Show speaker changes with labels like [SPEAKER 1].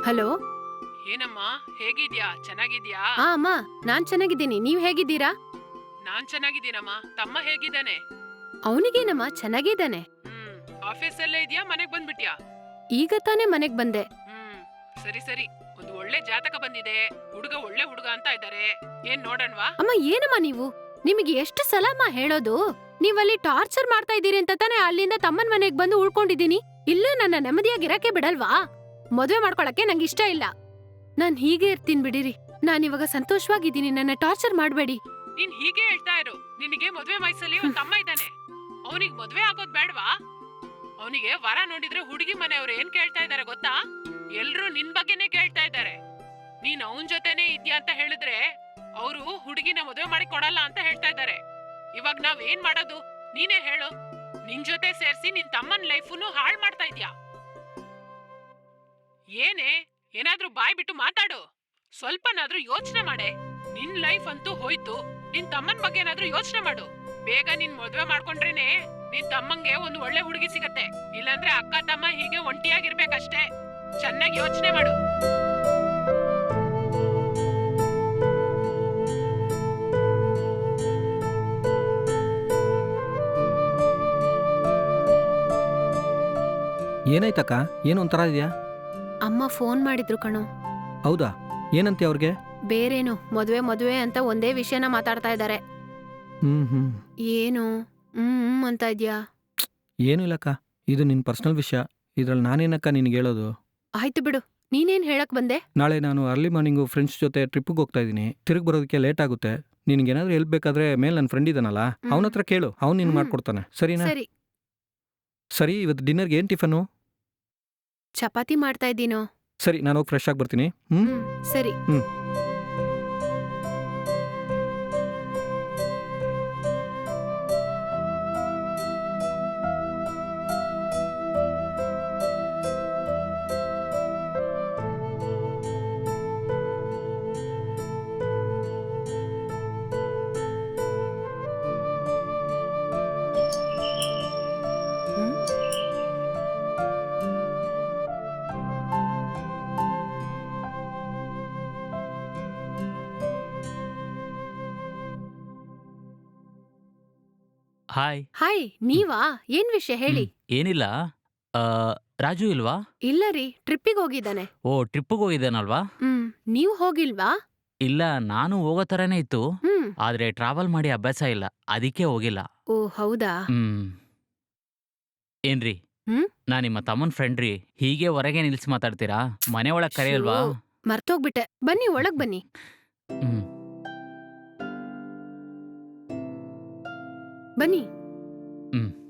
[SPEAKER 1] Hello.
[SPEAKER 2] ಏನಮ್ಮ, ಹೇಗಿದ್ಯಾ? ಚೆನ್ನಾಗಿದ್ಯಾ?
[SPEAKER 1] ಅಮ್ಮ, ನಾನ್ ಚೆನ್ನಾಗಿದ್ದೀನಿ. ನೀವ್ ಹೇಗಿದ್ದೀರಾ?
[SPEAKER 2] ನಾನ್ ಚೆನ್ನಾಗಿದ್ದೀನಮ್ಮ. ತಮ್ಮ ಹೇಗಿದ್ದಾನೆ?
[SPEAKER 1] ಅವನಿಗೇನಮ್ಮ, ಚೆನ್ನಾಗಿದ್ದಾನೆ.
[SPEAKER 2] ಆಫೀಸಲ್ಲೇ ಇದ್ಯಾ, ಮನೆಗ್ ಬಂದ್ಬಿಟ್ಯಾ?
[SPEAKER 1] ಈಗ ತಾನೇ ಮನೆಗ್ ಬಂದೆ.
[SPEAKER 2] ಸರಿ ಸರಿ. ಒಂದು ಒಳ್ಳೆ ಜಾತಕ ಬಂದಿದೆ. ಹುಡುಗ ಒಳ್ಳೆ ಹುಡುಗ ಅಂತ ಇದ್ದಾರೆ. ಏನ್ ನೋಡಣ್ವಾ?
[SPEAKER 1] ಅಮ್ಮ, ಏನಮ್ಮ ನೀವು? ನಿಮಗೆ ಎಷ್ಟು ಸಲ ಅಮ್ಮ ಹೇಳೋದು? ನೀವಲ್ಲಿ ಟಾರ್ಚರ್ ಮಾಡ್ತಾ ಇದ್ದೀರಿ ಅಂತ ತಾನೇ ಅಲ್ಲಿಂದ ತಮ್ಮನ್ ಮನೆಗ್ ಬಂದು ಉಳ್ಕೊಂಡಿದ್ದೀನಿ. ಇಲ್ಲ, ನನ್ನ ನೆಮ್ಮದಿಯಾಗಿರಕ್ಕೆ ಬಿಡಲ್ವಾ? ಮದ್ವೆ ಮಾಡ್ಕೊಳಕ್ಕೆ ನಂಗೆ ಇಷ್ಟ ಇಲ್ಲ. ನಾನ್ ಹೀಗೆ ಇರ್ತೀನಿ ಬಿಡಿರಿ. ನಾನಿವಾಗ ಸಂತೋಷವಾಗಿದ್ದೀನಿ. ನನ್ನ ಟಾರ್ಚರ್ ಮಾಡ್ಬೇಡಿ.
[SPEAKER 2] ನೀನ್ ಹೀಗೆ ಹೇಳ್ತಾ ಇರು. ನಿನಗೆ ಮದ್ವೆ ವಯಸ್ಸಲ್ಲಿ ಒಂದ್ ತಮ್ಮ ಇದ್ದಾನೆ. ಅವನಿಗೆ ಮದ್ವೆ ಆಗೋದ್ ಬೇಡವಾ? ಅವನಿಗೆ ವರ ನೋಡಿದ್ರೆ ಹುಡುಗಿ ಮನೆಯವ್ರು ಏನ್ ಕೇಳ್ತಾ ಇದಾರೆ ಗೊತ್ತಾ? ಎಲ್ರೂ ನಿನ್ ಬಗ್ಗೆನೇ ಕೇಳ್ತಾ ಇದ್ದಾರೆ. ನೀನ್ ಅವನ್ ಜೊತೆನೆ ಇದ್ಯಾ ಅಂತ ಹೇಳಿದ್ರೆ ಅವರು ಹುಡುಗಿನ ಮದ್ವೆ ಮಾಡಿ ಕೊಡಲ್ಲ ಅಂತ ಹೇಳ್ತಾ ಇದ್ದಾರೆ. ಇವಾಗ ನಾವ್ ಏನ್ ಮಾಡೋದು? ನೀನೇ ಹೇಳು. ನಿನ್ ಜೊತೆ ಸೇರ್ಸಿ ನಿನ್ ತಮ್ಮನ್ ಲೈಫ್ನು ಹಾಳ್ ಮಾಡ್ತಾ ಇದ್ಯಾ. ಏನೇ, ಏನಾದ್ರೂ ಬಾಯ್ ಬಿಟ್ಟು ಮಾತಾಡು. ಸ್ವಲ್ಪನಾದ್ರೂ ಯೋಚನೆ ಮಾಡೆ. ನಿನ್ ಲೈಫ್ ಅಂತೂ ಹೋಯ್ತು. ನಿನ್ ತಮ್ಮನ್ ಬಗ್ಗೆ ಏನಾದ್ರೂ ಯೋಚನೆ ಮಾಡು. ಬೇಗ ನಿನ್ ಮದ್ವೆ ಮಾಡ್ಕೊಂಡ್ರೇನೆ ನಿನ್ ತಮ್ಮಂಗೆ ಒಂದು ಒಳ್ಳೆ ಹುಡುಗಿ ಸಿಗತ್ತೆ. ಇಲ್ಲಾಂದ್ರೆ ಅಕ್ಕ ತಮ್ಮ ಹೀಗೆ ಒಂಟಿಯಾಗಿರ್ಬೇಕಷ್ಟೇ. ಚೆನ್ನಾಗಿ ಯೋಚನೆ ಮಾಡು.
[SPEAKER 3] ಏನಾಯ್ತಕ್ಕ? ಏನು ಒಂಥರ ಇದೆಯಾ?
[SPEAKER 1] ಅಮ್ಮ ಫೋನ್ ಮಾಡಿದ್ರು ಕಣೋ.
[SPEAKER 3] ಹೌದಾ? ಏನಂತೆ ಅವ್ರಿಗೆ?
[SPEAKER 1] ಬೇರೇನು, ಮದ್ವೆ ಮದ್ವೆ ಅಂತ ಒಂದೇ ವಿಷಯನ ಮಾತಾಡ್ತಾ ಇದ್ದಾರೆ.
[SPEAKER 3] ಹ್ಮ್.
[SPEAKER 1] ಏನು ಅಂತ ಇದ್ಯಾ?
[SPEAKER 3] ಏನೂ ಇಲ್ಲಕ್ಕ, ಇದು ನಿನ್ನ ಪರ್ಸನಲ್ ವಿಷಯ. ಇದ್ರಲ್ಲಿ ನಾನೇನಕ್ಕ ನಿನಗೆ ಹೇಳೋದು?
[SPEAKER 1] ಆಯ್ತು ಬಿಡು. ನೀನೇನ್ ಹೇಳಕ್ ಬಂದೆ?
[SPEAKER 3] ನಾಳೆ ನಾನು ಅರ್ಲಿ ಮಾರ್ನಿಂಗು ಫ್ರೆಂಡ್ಸ್ ಜೊತೆ ಟ್ರಿಪ್ಪಿಗೆ ಹೋಗ್ತಾ ಇದ್ದೀನಿ. ತಿರುಗಿ ಬರೋದಕ್ಕೆ ಲೇಟ್ ಆಗುತ್ತೆ. ನಿನಗೇನಾದ್ರೂ ಹೆಲ್ಪ್ ಬೇಕಾದ್ರೆ ಮೇಲೆ ನನ್ನ ಫ್ರೆಂಡ್ ಇದ್ದಾನಲ್ಲ, ಅವನ ಹತ್ರ ಕೇಳು. ಅವ್ನು ನಿನ್ಗೆ ಮಾಡ್ಕೊಡ್ತಾನೆ. ಸರಿನಾ?
[SPEAKER 1] ಸರಿ.
[SPEAKER 3] ಸರಿ, ಇವತ್ತು ಡಿನ್ನರ್ಗೆ ಏನು ಟಿಫನು?
[SPEAKER 1] ಚಪಾತಿ ಮಾಡ್ತಾ ಇದ್ದೀನೋ.
[SPEAKER 3] ಸರಿ, ನಾನು ಹೋಗಿ ಫ್ರೆಶ್ ಆಗಿ ಬರ್ತೀನಿ.
[SPEAKER 1] ಸರಿ.
[SPEAKER 4] ಹಾಯ್.
[SPEAKER 1] ಹಾಯ್, ನೀವಾ? ಏನ್ ವಿಷಯ ಹೇಳಿ.
[SPEAKER 4] ಏನಿಲ್ಲ. ರಾಜು ಇಲ್ವಾ?
[SPEAKER 1] ಇಲ್ಲ ರೀ, ಟ್ರಿಪ್ಪಿಗೆ ಹೋಗಿದ್ದಾನೆ.
[SPEAKER 4] ಓ, ಟ್ರಿಪ್ಪಿಗೆ ಹೋಗಿದ್ದಾನಲ್ವಾ?
[SPEAKER 1] ನೀವು ಹೋಗಿಲ್ವಾ?
[SPEAKER 4] ಇಲ್ಲ, ನಾನು ಹೋಗೋ ಥರನೇ ಇತ್ತು.
[SPEAKER 1] ಹ್ಮ್.
[SPEAKER 4] ಆದ್ರೆ ಟ್ರಾವೆಲ್ ಮಾಡಿ ಅಭ್ಯಾಸ ಇಲ್ಲ, ಅದಕ್ಕೆ ಹೋಗಿಲ್ಲ.
[SPEAKER 1] ಓ, ಹೌದಾ?
[SPEAKER 4] ಏನ್ರಿ,
[SPEAKER 1] ಹ್ಮ್?
[SPEAKER 4] ನಾ ನಿಮ್ಮ ತಮ್ಮನ್ ಫ್ರೆಂಡ್ ರೀ. ಹೀಗೆ ಹೊರಗೆ ನಿಲ್ಸಿ ಮಾತಾಡ್ತೀರಾ? ಮನೆ ಒಳಗ್ ಕರೆಯಲ್ವಾ?
[SPEAKER 1] ಮರ್ತೋಗ್ಬಿಟ್ಟೆ. ಬನ್ನಿ, ಒಳಗ್ ಬನ್ನಿ. ಬನ್ನಿ.